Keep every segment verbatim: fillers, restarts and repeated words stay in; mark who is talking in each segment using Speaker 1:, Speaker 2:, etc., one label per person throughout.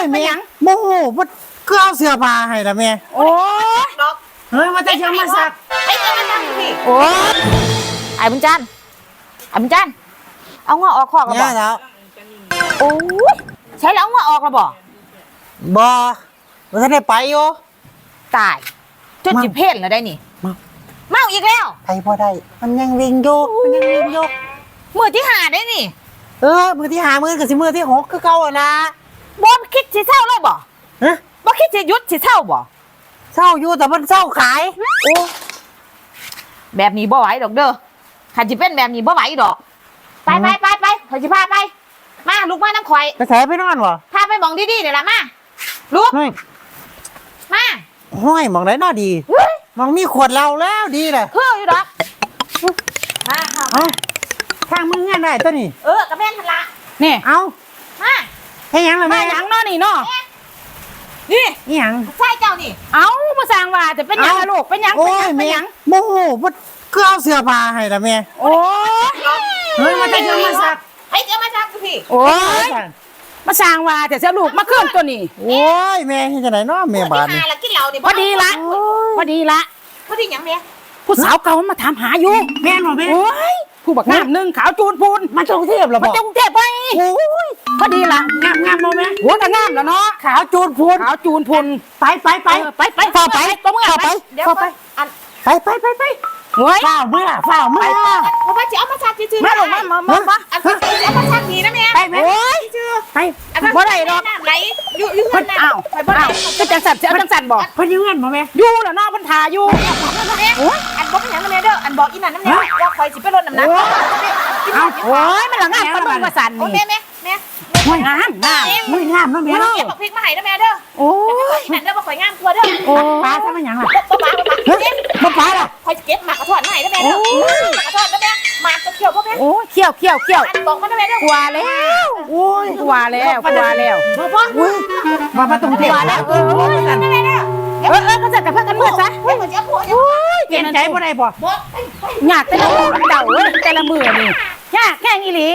Speaker 1: แม่โมโหว่าก็เอาเสื้อผ้าให้ละแม่โอ้เฮ้ยมาแต่ยังมาสัก
Speaker 2: ไอ้เจ้ามาสักพี่
Speaker 3: โอ้ไอ้บุญจันทร์ไอ้บุญจันทร์เอางอออกคอกแล้วบ่
Speaker 1: แล้ว
Speaker 3: โอ้ยใช้แล้วงอออกแล้วบ่
Speaker 1: บ่บ่ทันได้ไปอยู่
Speaker 3: ตายจนจิเพ่นแล้วได้นี่เมาอีกแล้ว
Speaker 1: ไปบ่ได้มันยังวิ่งอยู่มันยังวิ่งอยู่
Speaker 3: มือที่หาได้นี่
Speaker 1: เออมือที่หามือกับสิมือที่หกคือเก่าอ่ะนะ
Speaker 3: บ่คิดสิเศร้าเลยบ่
Speaker 1: ฮะ
Speaker 3: บ่คิดสิหยุดสิเศร้าบ่
Speaker 1: เศร้าอยู่แต่มันเศร้าขาย
Speaker 3: โอ้แบบนี้บ่ไหวดอกเด้อขันจิเป็นแบบนี้บ่ไหวดอกไปไปไปไปข่อยสิพาไปมาลูกมาน้ำข่อย
Speaker 1: กระแสไปนอนวะ
Speaker 3: พาไปมองดีๆเดี๋ยวละมาลูกมา
Speaker 1: ห้อยมองไหนน่าดีมองมีขวดเราแล้วดีเลย
Speaker 3: เฮ้ยดอกมาค่ะ
Speaker 1: ทางมึงเงี้ยได้ตัวนี้
Speaker 3: เออกระแม่นทันละ
Speaker 1: นี่เอา
Speaker 3: มา
Speaker 1: ให้ยังเลย
Speaker 3: แม่ยังนอนี่เนาะ
Speaker 1: นี่ยัง
Speaker 3: ใช่เจ้านี่เอามาสั่งว่าจะเป็นยังลูกเป็นยังเป็นยัง
Speaker 1: โมโหว่าก็เอาเสื้อผ้าให้ละแม่
Speaker 3: โอ้
Speaker 1: เฮ้ยมาแต่ยังมาสัก
Speaker 3: ไอ้เจ้ามาสักพี่
Speaker 1: โอ้ย
Speaker 3: มาสั่งว่าแต่เจ้าลูกมาเคลื่อนตัวนี้
Speaker 1: โอ้ยแม่ที่จะไหนเนาะแม่บ้าน
Speaker 3: พอดีละพอดีละพอดียังแม่ผู้สาวเก่ามาถามหาอยู่
Speaker 1: แม่หรอแม่
Speaker 3: โอ้ยผู้บักงามหนึ่งขาวจูนพูน
Speaker 1: มาจงเทพหรอ
Speaker 3: มาจงเทพไปโอ้ยพอดีละ
Speaker 1: งามงามมาแม่
Speaker 3: โอ้ยงามแล้วเนาะ
Speaker 1: ขาวจูนพูน
Speaker 3: ขาวจูนพูน
Speaker 1: ไปไปไป
Speaker 3: ไปไปเข้าไปก็มึงเข้าไปเดี๋ยวไป
Speaker 1: ไปไปไปไป
Speaker 3: เฮ้ย
Speaker 1: ฝ้าเมื่อฝ้าเมื่อ
Speaker 3: เพราะว่าจะเอามาซักจืดๆมาลงมามามามาเอามาซักดีนะแม่
Speaker 1: ไปไป
Speaker 3: จืด
Speaker 1: ไป
Speaker 3: บ่ได้ดอก
Speaker 2: ไหลอยู่อยู่คนน่ะ
Speaker 3: อ้าวไปบ่ได้ก็จังสั่นจะเอาจังสั่นบ่
Speaker 1: เพิ่นอยู่เงินบ่แม่
Speaker 3: อยู่แล้วเนาะเพิ่นถ่าอยู่
Speaker 2: โอ้ยอันบอกเป็นหยังนะแม่เด้ออันบอกอีนั่นนะแม่ว่าคอยสิไปลดน้ำหนัก
Speaker 3: เอาโอ้ยมันละงามปานมึงมาสั่นนี่
Speaker 2: แม่แม่แม่
Speaker 3: ห้วยงามงาม
Speaker 1: ห้วยงามเนาะแม่
Speaker 2: เก็บบักพริกมาให้นะแม่เด้อ
Speaker 3: โอ้
Speaker 2: ยนั่นเด้อบ่ข่อยงามกว่าเด้อ
Speaker 3: โอ้
Speaker 1: ปลาซะมันหยังล่ะ
Speaker 2: บ่ปลาบ่ปลาเก็บ
Speaker 1: บ่ปลาล่ะ
Speaker 2: ข่อยเก็บหมากกระทอดมาให้นะแม่เด้อหมากกระทอดนะแม่หมากจะเขียวบ่แม่
Speaker 3: โอ้เขี้ยวเขี้ยวเขี้ยว
Speaker 2: อันบอกมานะแม่เด้อก
Speaker 3: ว่าแล้วโอ้ยกว่าแล้วกว่าแล้ว
Speaker 2: บ่บ่
Speaker 1: อุ้ยมามาตรงเทพแล้วเออนั่น
Speaker 2: นะแม่เด้อ
Speaker 3: เออเออก็จะกับเพื่อนกันเมื่อซะ
Speaker 2: เฮ้ยข่อยสิเอาผัว
Speaker 3: โอ้ย
Speaker 1: เปลี่ยนใจบ่ได้บ่
Speaker 2: บ่
Speaker 3: ยากแต่ละมือเดาแต่ละมือนี่ยากแค่อีหลี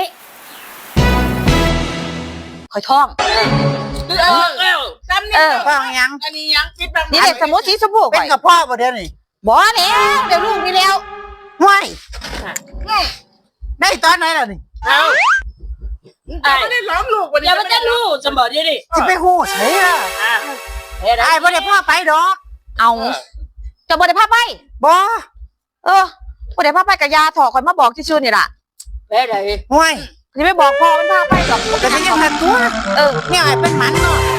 Speaker 3: คอยท่อง
Speaker 4: เออเออจำนี่
Speaker 1: ฟังยัง
Speaker 4: อันนี้ยังคิดแบบ
Speaker 3: นี่เด็กสมุทรสีชมพู
Speaker 1: เป็นกับพ่อบ่เดี๋ยวนี้
Speaker 3: บ่แล้วเดี๋ยวลูกนี่แล้ว
Speaker 1: ห้วยได้ตอนไหนล่ะนี่
Speaker 4: เอาไม่ได้ล้อมลูกวันนี้ไม่ได้ลูกจะบอกดิดิ
Speaker 1: สิไปฮู้ไสล่ะไอ้บ่ได้พ่อไปดอก
Speaker 3: เอาจะบ่ได้พาไป
Speaker 1: บ่
Speaker 3: เออบ่ได้พาไปกับยาถอคอยมาบอกที่ชื่อนี่ล่ะ
Speaker 4: แม่ไหน
Speaker 1: ห้วย
Speaker 3: จะไม่บอกพ่อมันพาไปหรอก
Speaker 1: ก็ได้ยังทันตัวเออเนี่ยไอ้เป็นหมันเนาะ